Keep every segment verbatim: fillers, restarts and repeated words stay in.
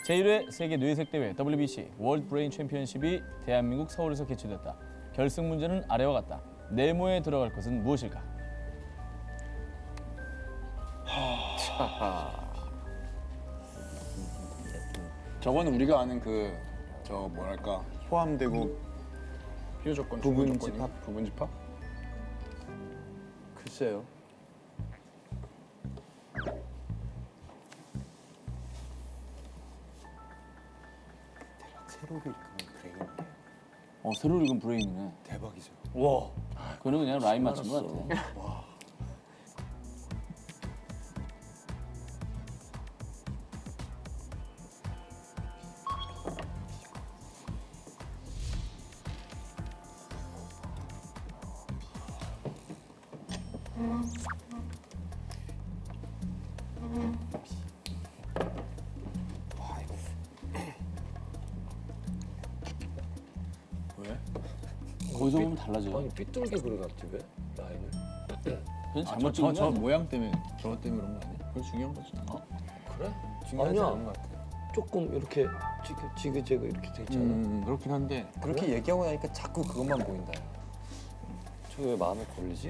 제일 회 세계 뇌색 대회 더블유비씨 월드 브레인 챔피언십이 대한민국 서울에서 개최됐다. 결승 문제는 아래와 같다. 네모에 들어갈 것은 무엇일까? 저거는 우리가 아는 그 저 뭐랄까 포함되고 필요 조건 부분 조건이? 집합? 부분 집합? 글쎄요. 새로 읽으면 브레인이에요. 어, 새로 읽은 브레인이네. 대박이죠. 와, 그거는 그냥 라인 맞춘 것 같아. 왜? 거기서 보면 달라져요. 아니 삐뚤게 그려놨지 왜? 라인을? 그건 아, 잘못 저, 찍은 저, 거 저 아니야? 모양 때문에 저것 때문에 그런 거 아니야? 그거 중요한 거지. 어? 그래? 중요하지 아니야. 않은 것 같아. 조금 이렇게 지그, 지그재그 이렇게 돼 있잖아. 음, 그렇긴 한데 그렇게 얘기하고 나니까 자꾸 그것만 보인다. 저게 왜 마음에 걸리지?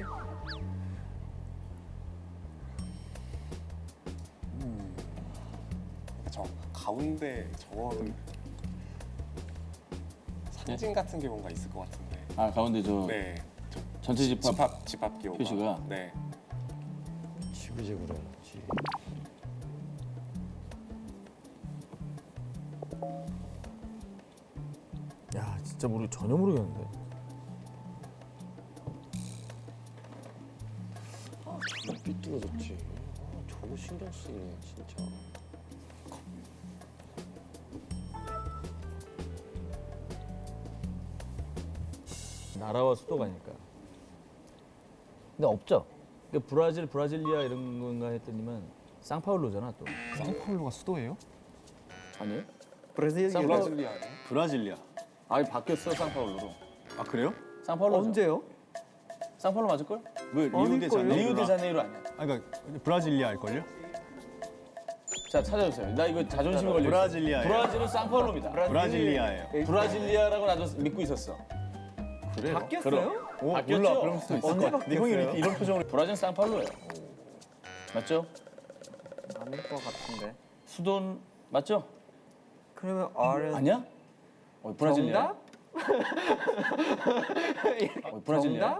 저 가운데 저거는 상징 같은 게 뭔가 있을 것 같은데. 아, 가운데 저 네. 저 전체 집합. 집합 집합 기호가. 표시가? 네. 지그재그로 해놨지. 야, 진짜 모르 전혀 모르겠는데. 왜 삐뚤어졌지? 아, 저거 신경 쓰이네 진짜. 나라와 수도가니까. 근데 없죠. 그러니까 브라질, 브라질리아 이런 건가 했더니만 상파울루잖아 또. 상파울루가 수도예요? 아니에요? 브라질 상파울루. 브라질리아. 아, 바뀌었어, 상파울루로. 아 그래요? 상파울루. 언제요? 상파울루 맞을걸? 왜 리우데자네이루? 리우데자네이루 아니야. 아 그러니까 브라질리아일걸요? 자, 찾아주세요. 나 이거 자존심이 걸려. 브라질리아예요. 브라질은 상파울루입니다. 브라질리아예요. 브라질리아라고 나도 믿고 있었어. 그래요? 바뀌었어요? 오, 바뀌었죠? 몰라. 그럴 수도 있을 언제 것 같아. 네 형이 이렇게 이런 표정으로 브라질은 상파울루예요. 맞죠? 아닐 것 같은데. 수도는 맞죠? 그러면 R은 아니야? 어, 브라질리아. 정답? 어, 브라질리아.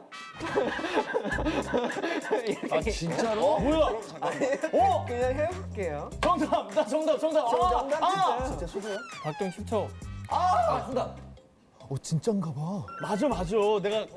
정답? 아, 진짜로? 뭐야? 어? 그냥 해볼게요. 정답! 나 정답, 정답! 아, 정답 아! 진짜. 진짜 박경 십 초. 아, 정답! 어, 진짠가 봐. 맞아, 맞아. 내가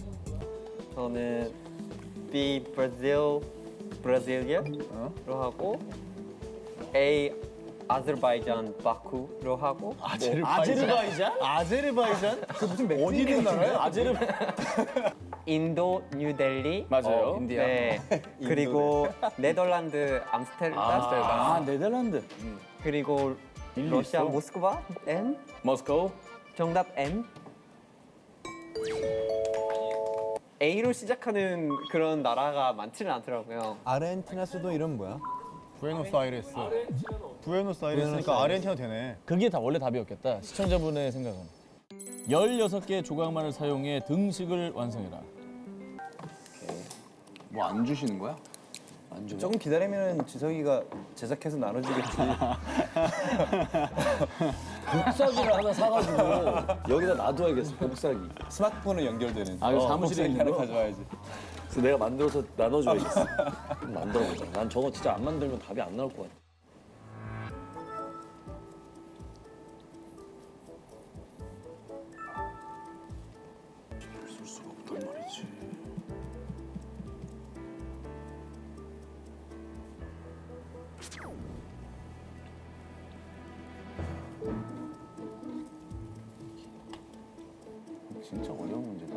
저는 B 브라질 브라질리아로 하고 A 아제르바이잔 바쿠로 하고 아제르바이잔? 아제르바이잔? 그 무슨 어디 있는 나라야? 아제르 인도 뉴델리 맞아요. 어, 인디아. 네 그리고 네덜란드 암스테르담 아, 네덜란드. 그리고 러시아 모스크바 M 모스코. 정답 M A로 시작하는 그런 나라가 많지는 않더라고요. 아르헨티나 수도 이름 뭐야? 부에노스아이레스. 부에노스아이레스니까 아르헨티나 되네. 그게 다 원래 답이었겠다. 시청자분의 생각은. 열여섯 개의 조각만을 사용해 등식을 완성해라. 뭐 안 주시는 거야? 안 줘. 조금 기다리면 지석이가 제작해서 나눠주겠지. 복사기를 하나 사가지고 여기다 놔둬야겠어. 복사기. 스마트폰은 연결되는. 아, 이거 사무실에 있는 거? 가져와야지. 그래서 내가 만들어서 나눠줘야겠어. 한번 만들어보자. 난 저거 진짜 안 만들면 답이 안 나올 것 같아. 쓸 수가 없단 말이지. 진짜 어려운 문제다.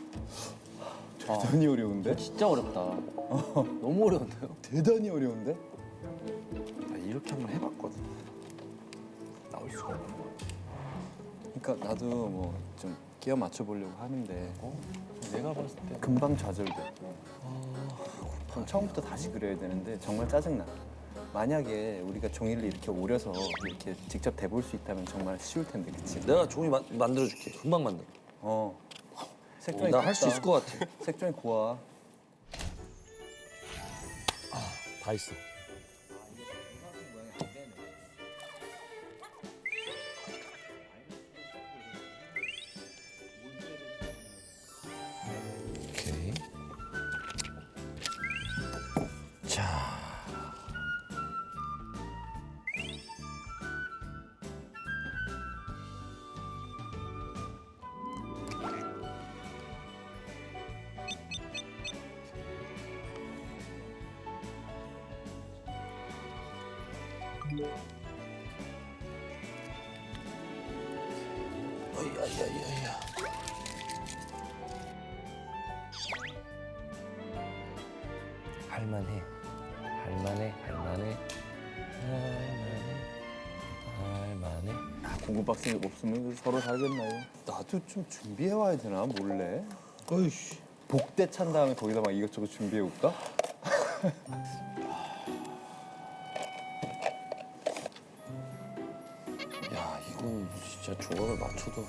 대단히 어려운데? 진짜 어렵다. 너무 어려운데요? 대단히 어려운데? 아, 이렇게 한번 해봤거든. 나올 수가 없는 거 같아. 그러니까 나도 뭐 좀 끼워 맞춰보려고 하는데 내가 봤을 때 금방 좌절돼. 그럼 처음부터 다시 그려야 되는데 정말 짜증나. 만약에 우리가 종이를 이렇게 오려서 이렇게 직접 대볼 수 있다면 정말 쉬울 텐데, 그치? 내가 종이 만, 만들어줄게. 금방 만들어. 어. 색종이 나 할 수 곱다. 있을 것 같아. 색종이 고와. 다 있어. 오케이. 자. 어이야야야야. 할만해. 할만해. 할만해. 할만해. 할만해. 아, 공구 박스 없으면 서로 살겠나요? 나도 좀 준비해 와야 되나, 몰래? 어이씨. 복대 찬 다음에 거기다 막 이것저것 준비해 올까? 야, 이건 진짜 조각을 맞춰도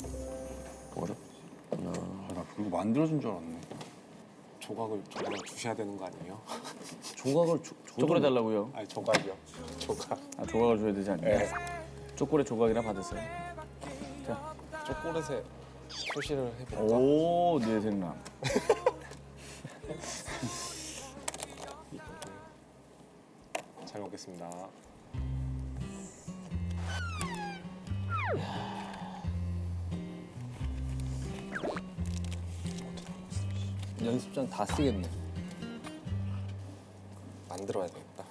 어렵구나. 아, 나 그리고 만들어준 줄 알았네. 조각을 조각을 주셔야 되는 거 아니에요? 조각을 조, 초콜릿 달라고요? 아니 조각이요. 조각. 아, 조각을 줘야 되지 않나요? 초콜릿 조각이나 받으세요. 초콜릿에 표시를 해볼까? 오, 내 생각. 잘 먹겠습니다. 연습장 다 쓰겠네. 만들어야 되겠다.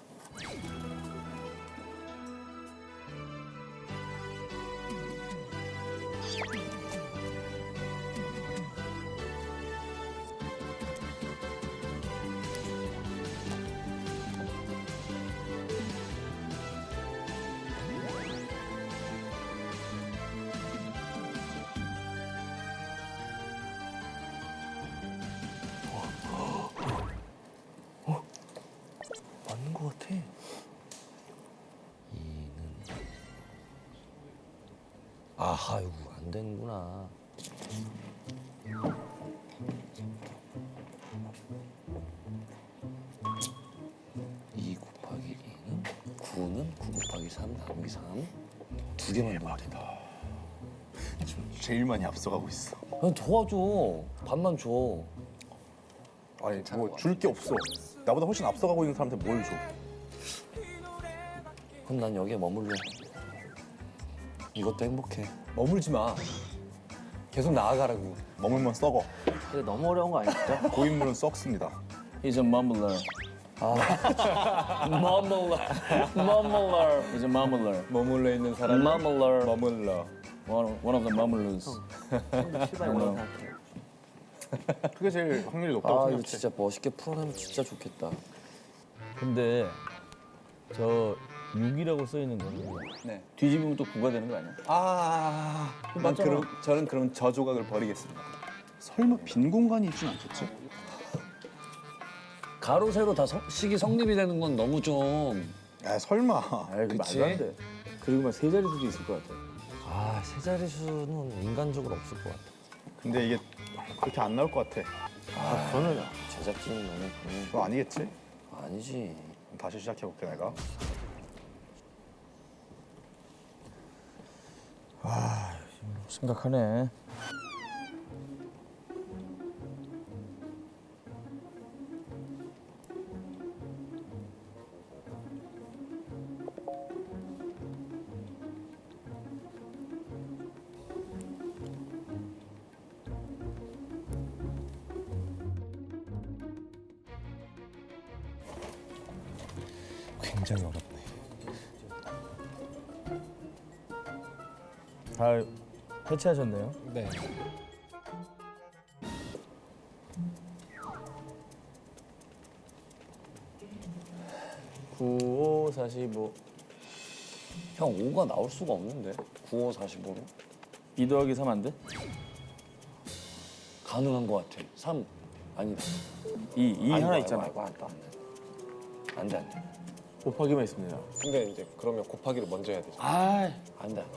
맞는 것 같아. 이는 아하, 이거 안 되는구나. 이 곱하기 이는 구는 구 곱하기 삼 나누기 삼. 두 개만 넣으면 된다. 제일 많이 앞서가고 있어. 그냥 도와줘. 반만 줘. 아니 뭐 줄 게 없어. 나보다 훨씬 앞서가고 있는 사람한테 뭘 줘? 그럼 난 여기에 머물러. 이것도 행복해. 머물지 마. 계속 나아가라고. 머물면 썩어. 근데 너무 어려운 거 아니죠? 고인물은 썩습니다. He's a mumbler. 머물러. Mumbler. He's a mumbler. 머물러 있는 사람. Mumbler. 머물러. One, one of the mumblers. 그게 제일 확률이 높다고 아, 생각해. 이거 진짜 멋있게 풀어내면 진짜 좋겠다. 근데 저 육이라고 써 있는 거는 네. 뒤집으면 또 구가 되는 거 아니야? 아, 난 맞잖아. 그럼 저는 그럼 저 조각을 버리겠습니다. 설마 빈 공간이 있진 않겠지? 가로 세로 다 성, 식이 성립이 되는 건 너무 좀. 야 설마. 아이, 그 그치? 말도 안 돼. 그리고 막 세 자릿수도 있을 것 같아. 아, 세 자릿수는 인간적으로 없을 것 같아. 근데 이게 그렇게 안 나올 것 같아. 아, 그거는 제작진은 너무 그건 그거 아니겠지? 아니지. 다시 시작해볼게 내가. 심각하네. 굉장히 어렵네. 다 해체하셨네요. 네. 구오 사십오. 형, 오가 나올 수가 없는데. 구오 사십오로? 이 더하기 삼 안 돼? 가능한 것 같아. 삼. 아니다. 이, 이 아이고, 하나 아이고, 있잖아. 아이고, 안 돼, 안 돼. 안 돼, 안 돼. 곱하기만 있습니다. 근데 이제 그러면 곱하기를 먼저 해야 되죠. 아, 안 돼.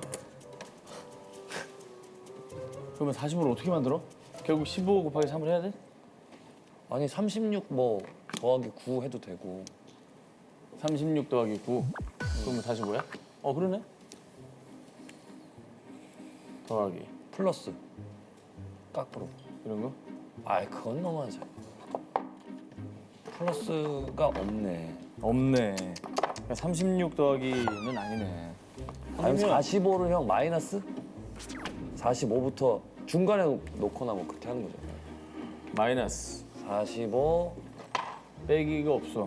그러면 사십오를 어떻게 만들어? 결국 십오 곱하기 삼을 해야 돼? 아니 삼십육 뭐 더하기 구 해도 되고. 삼십육 더하기 구. 그러면 사십오야? 어, 그러네. 더하기 플러스 깎으로. 이런 거? 아이 그건 너무하지. 플러스가 없네. 없네. 그러니까 삼십육 더하기는 아니네. 아니면 사십오를 형 마이너스? 사십오부터 중간에 놓거나 뭐 그렇게 하는 거죠. 마이너스 사십오 빼기가 없어.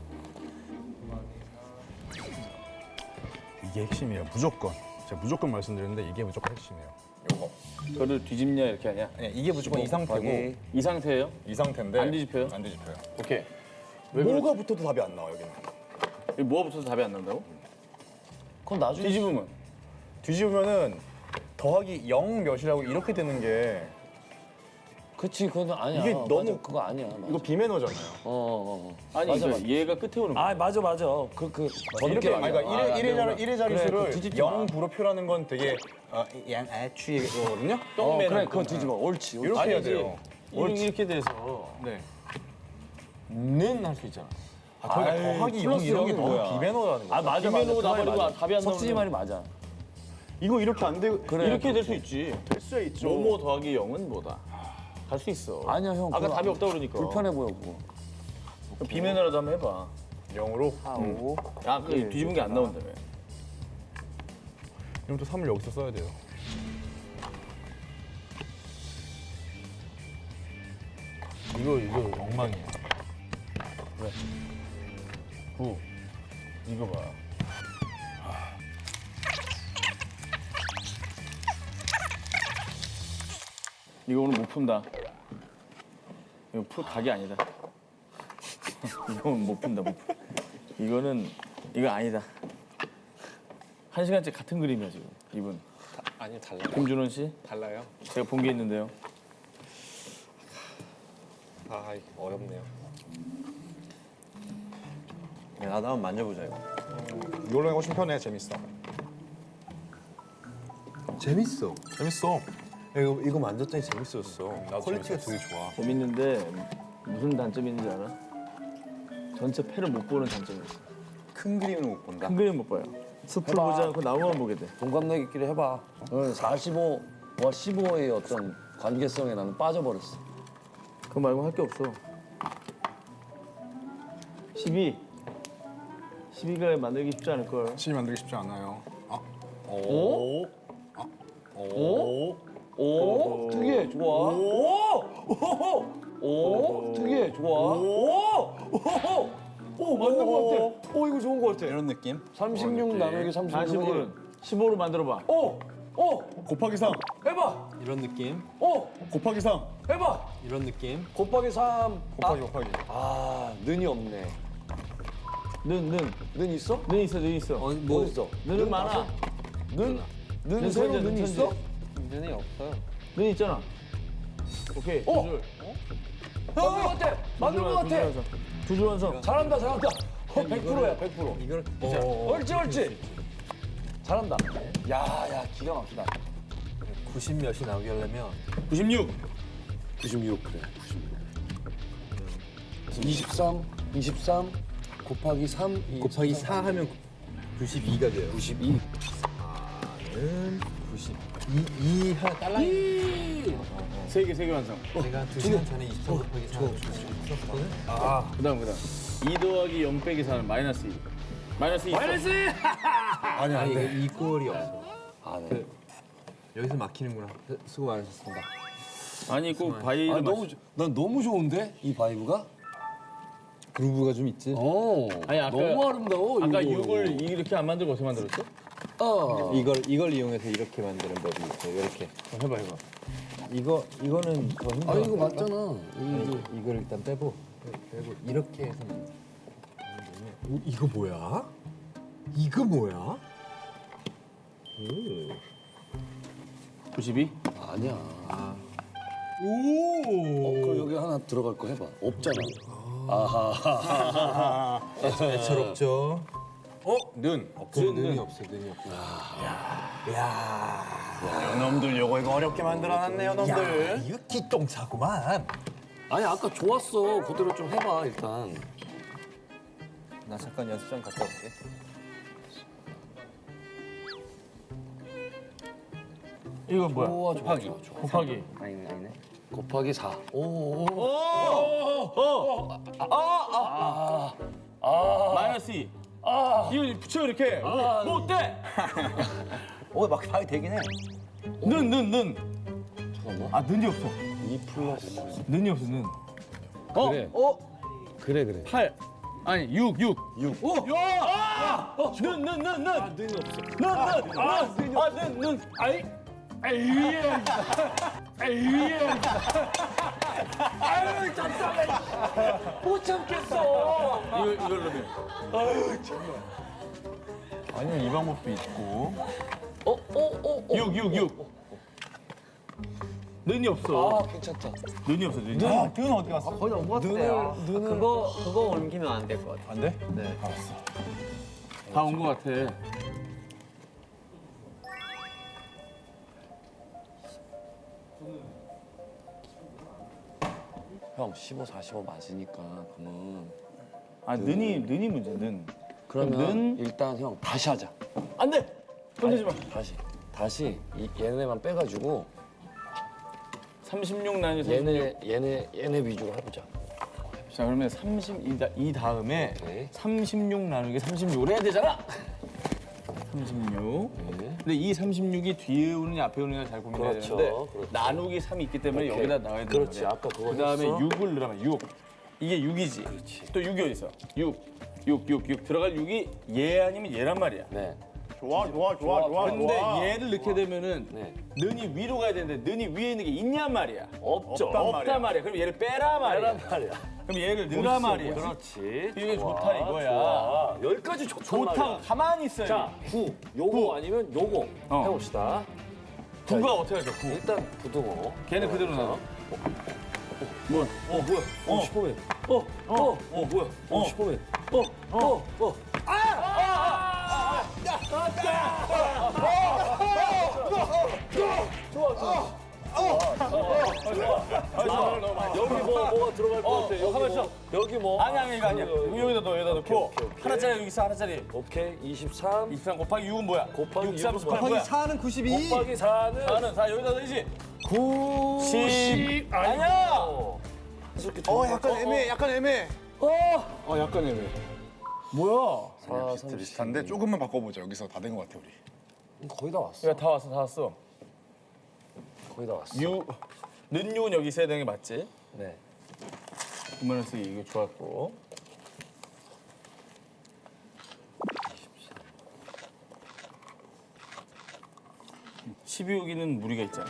이게 핵심이에요. 무조건. 제가 무조건 말씀드렸는데 이게 무조건 핵심이에요. 요거. 그거를 뒤집냐 이렇게 하냐? 네, 이게 무조건 이 상태고 곱하기 이 상태예요? 이 상태인데 안 뒤집혀요? 안 뒤집혀요. 오케이. 왜 뭐가 그러지? 붙어도 답이 안 나와 여기는. 이 뭐가 붙어서 답이 안 난다고? 그건 나중에 뒤집으면 뒤집으면은 더하기 영 몇이라고 이렇게 되는 게 그치 그건 아니야. 이게 맞아, 너무- 그거 아니야. 맞아. 이거 비매너잖아요. 어, 어, 어. 아니 맞아, 그 맞아. 얘가 끝에 오는 거야. 아 맞아 맞아. 그그 그, 더 이렇게 늦게 아니, 그러니까 말이야. 일의 일의 자리 일의 그래, 자릿수를 그거 뒤집지 마. 영 부로 표현하는 건 되게 어, 양아추의 거거든요. 어, 똥매는 그래 그거 뒤집어. 옳지. 옳지. 이렇게 해야 아니지. 돼요. 이렇게, 이렇게 돼서 네. 는 할 수 있잖아. 아, 거기가 아이, 더하기 영 플러스 이런 게 영이 너무 뭐야. 비매너라는 거야. 아 맞아 비매너고 맞아. 그 말이 나버리고 맞아. 답이 안 석진이 나오는 말이 맞아. 이거 이렇게 안 되고 그래, 이렇게 될 수 그렇게. 있지. 될 수 있죠. 뭐뭐 더하기 영은 뭐다. 갈 수 있어. 아니야 형. 아까 그거 답이 없다 그러니까. 불편해 보여 그거. 그럼 비매너라도 한번 해봐. 영으로. 하고 아, 그 뒤집은 게 안 나온다며. 그럼 또 삼을 여기서 써야 돼요. 이거 이거 엉망이야. 구. 이거 봐. 이거 오늘 못 푼다. 이거 풀 각이 아니다. 이건 못 푼다, 못 푼. 이거는 이거 아니다. 한 시간째 같은 그림이야 지금 이분. 아니 달라요. 김준원 씨, 달라요. 제가 본 게 있는데요. 아 이거 어렵네요. 야, 나도 한번 만져보자 이거. 이걸로 훨씬 편해. 재밌어. 재밌어. 재밌어. 야, 이거 이거 만졌더니 재밌었어. 나도 퀄리티가 재밌었어. 되게 좋아. 재밌는데 무슨 단점이 있는지 알아? 전체 패를 못 보는 단점이 있어. 큰 그림은 못 본다. 큰 그림 못 봐요. 숲을 보지 않고 나무만 보게 돼. 동갑내기끼리 해봐. 어, 사십오와 십오의 어떤 관계성에 나는 빠져버렸어. 그거 말고 할 게 없어. 십이. 십이가 만들기 쉽지 않을 걸. 시 만들기 쉽지 않아요. 아, 오? 아, 오? 오, 특이해, 좋아. 오, 오, 오, 특이해, 좋아. 오, 오, 오, 맞는 것 같아. 오, 이거 좋은 것 같아. 이런 느낌? 삼십육 나누기 삼십육은 사십오는 십오로 만들어봐. 오, 오, 곱하기 삼. 해봐. 이런 느낌. 오, 곱하기 삼. 해봐. 이런 느낌. 곱하기 삼. 곱하기 곱하기. 아, 는이 없네. 는, 는. 는 있어? 는 있어, 는 있어. 어, 뭐 있어? 는은 많아. 는, 는 는 새로 천재, 는 는 있어? 천재. 문제는 없어요. 는 있잖아. 오케이, 두 어? 줄. 맞는 것 같아. 맞는 것 같아. 두 줄 완성. 잘한다, 잘한다. 어, 백 퍼센트야, 백 퍼센트. 이걸 옳지, 옳지. 잘한다. 야, 야, 기가 막히다. 구십 몇이 나오게 하려면 구십육. 구십육 그래. 이십삼, 이십삼 곱하기 삼, 곱하기 사 하면 구십이가 돼요. 구십이. 는 구십. 이, 이 하나 달라. 세 개, 세 개 완성. 내가 두 시간 전에 이십삼 곱하기 사 썼거든. 그 다음, 그 다음. 이 더하기 영 빼기 사는 마이너스 이. 마이너스 이. 마이너스 이! 아니 아니 안 이거 돼. 이 꼴이 없어. 아, 네. 여기서 막히는구나. 수고 많으셨습니다. 아니, 꼭 바이. 아, 너무, 좋- 난 너무 좋은데? 이 바이브가? 그루브가 좀 있지. 어. 아니, 아까- 너무 아름다워. 아까 이거. 육을 이렇게 안 만들고 어떻게 만들었어? 어. 이걸 이걸 이용해서 이렇게 만드는 법이 있어요. 이렇게. 어, 해봐, 해봐. 이거 이거는 더 힘들어. 아, 이거 맞잖아. 아니, 이걸 일단 빼고 빼고 이렇게 해서 만들. 오, 이거 뭐야? 이거 뭐야? 구십이? 아니야. 오. 어, 그럼 여기 하나 들어갈 거 해봐. 없잖아. 애처롭죠. 어? 는. 없어, 눈이 없어, 눈이 없어. 요놈들 요거 이거 어렵게 만들어놨네 요놈들. 야, 이거 기똥차구만. 아니 아까 좋았어. 그대로 좀 해봐 일단. 나 잠깐 연습장 갔다 올게. 이거 뭐야? 좋아 좋아 곱하기. 좋아, 좋아. 곱하기. 아니네 아니네. 곱하기 사. 오. 마이너스 이. 이거 붙여 이렇게. 뭐, 뭐 어때? 어 막하게 되긴 해. 는, 는, 는. 잠깐만. 아, 는이 없어. 이 플러스. 는이 없어, 는. 그래. 어? 그래 그래. 팔. 아니, 육, 육. 육. 오! 야! 아! 는, 는, 는, 는. 아, 눈이 없어. 는, 는. 아, 아, 는, 는. 아이. 에이. 에이. 아유 답답해. 못 참겠어. 이거, 이걸 넣으면. 아니면 이 방법도 있고. 어어어 어. 육, 육, 육. 는이 없어. 아 괜찮다. 는이 없어, 는이. 아, 는 어디 갔어? 거의 온것 같아요. 그거 그거 옮기면 안 될 것 같아. 안 돼? 네. 다 온 것 같아. 형 십오, 사십오 맞으니까 그러면 아, 는이, 는이 문제, 는. 그러면 는? 일단 형 다시 하자. 안 돼! 건드지 마. 다시 다시 이, 얘네만 빼가지고 삼십육 나누기 삼십육. 얘네 얘네 얘네 위주로 해보자. 자, 그러면 삼십, 이, 다, 이 다음에 네. 삼십육 나누기 삼십육을 해야 되잖아! 삼십육. 네. 근데 이 삼십육이 뒤에 오느냐 앞에 오느냐 잘 고민해야 그렇죠, 되는데 그렇죠. 나누기 삼이 있기 때문에 오케이. 여기다 나와야 되는데 그렇지, 아까 그거 그 다음에 했어. 육을 넣으면 육. 이게 육이지. 그렇지. 또 육이 어디 있어? 육. 육, 육, 육. 들어갈 육이 얘 아니면 얘란 말이야. 네. 좋아 좋아 좋아 좋아. 근데 좋아. 얘를 넣게 되면은 네. 는이 위로 가야 되는데 는이 위에 있는 게 있냔 말이야. 없죠. 없단 없단 말이야. 말이야. 그럼 얘를 빼라 말이야. 빼란 말이야. 그럼 얘를 넣으라 말이야. 그렇지. 이게 좋아, 좋다 이거야. 좋아. 여기까지 좋단 좋다고 말이야. 가만히 있어야 자, 돼. 구. 요거 아니면 요거 어. 해봅시다. 구가 어떻게 할까? 구. 일단 부등호. 걔는 그대로 나와. 뭐야? 어 뭐야? 어 슈퍼맨. 어 어. 어 뭐야? 어 슈퍼맨. 어 어 어. 여기 뭐 뭐가 들어갈 것 같아? 여기 가만 있어. 뭐 여기 뭐? 아니 아니 이거 아니야. 이거 여기다 넣어 여기다 넣고 오케이, 오케이. 하나짜리 여기 있어 하나짜리. 오케이 이십삼 이십삼 곱하기 육은 뭐야? 곱하기 육삼 육은 곱하기 뭐야? 사는 구십이. 곱하기 사는 사는 사 여기다 넣어야지. 구십 아니야. 어 약간 애매해 약간 애매해. 어 약간 애매해. 뭐야? 사, 비슷 비슷한데 조금만 바꿔보자. 여기서 다 된 것 같아 우리. 거의 다 왔어. 야 다 왔어 다 왔어. 거의 다 왔어. 유 는유는 여기 있어야 되는 게 맞지? 네. 구만원 쓰기 이거 좋았고. 십이 호기는 무리가 있잖아.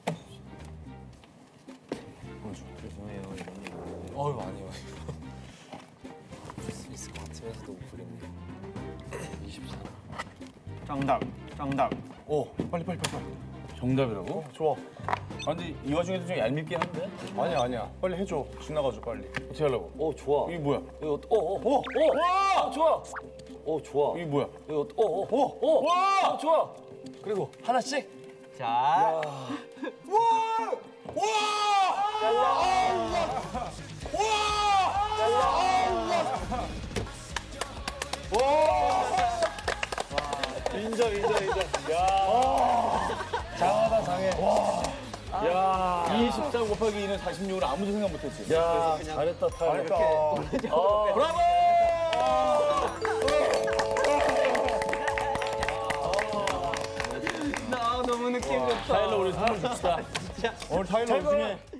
어휴 아니요. 수 있을 것 같으면서도 못 부리네. 이십삼. 정답 정답. 오 빨리 빨리 빨리 빨리. 정답이라고? 좋아. 아 근데 이 와중에도 좀 얄밉긴 한데? 아니야 아니야. 빨리 해줘. 지나가줘 빨리. 어떻게 하려고? 오 좋아. 이게 뭐야? 이거 어어어 와! 좋아. 오 좋아. 이게 뭐야? 이거 어어어 와! 좋아. 그리고 하나씩. 자. 인정 인정 인정. 야. 장하다 장해. 야 이십삼 곱하기 이는 사십육을 아무도 생각 못했지. 야 잘했다 타. 잘했다. 어. 브라보! 나 너무 느낌 좋다. 타일러 우리 선물 줍시다. 오늘 타일러 우승해.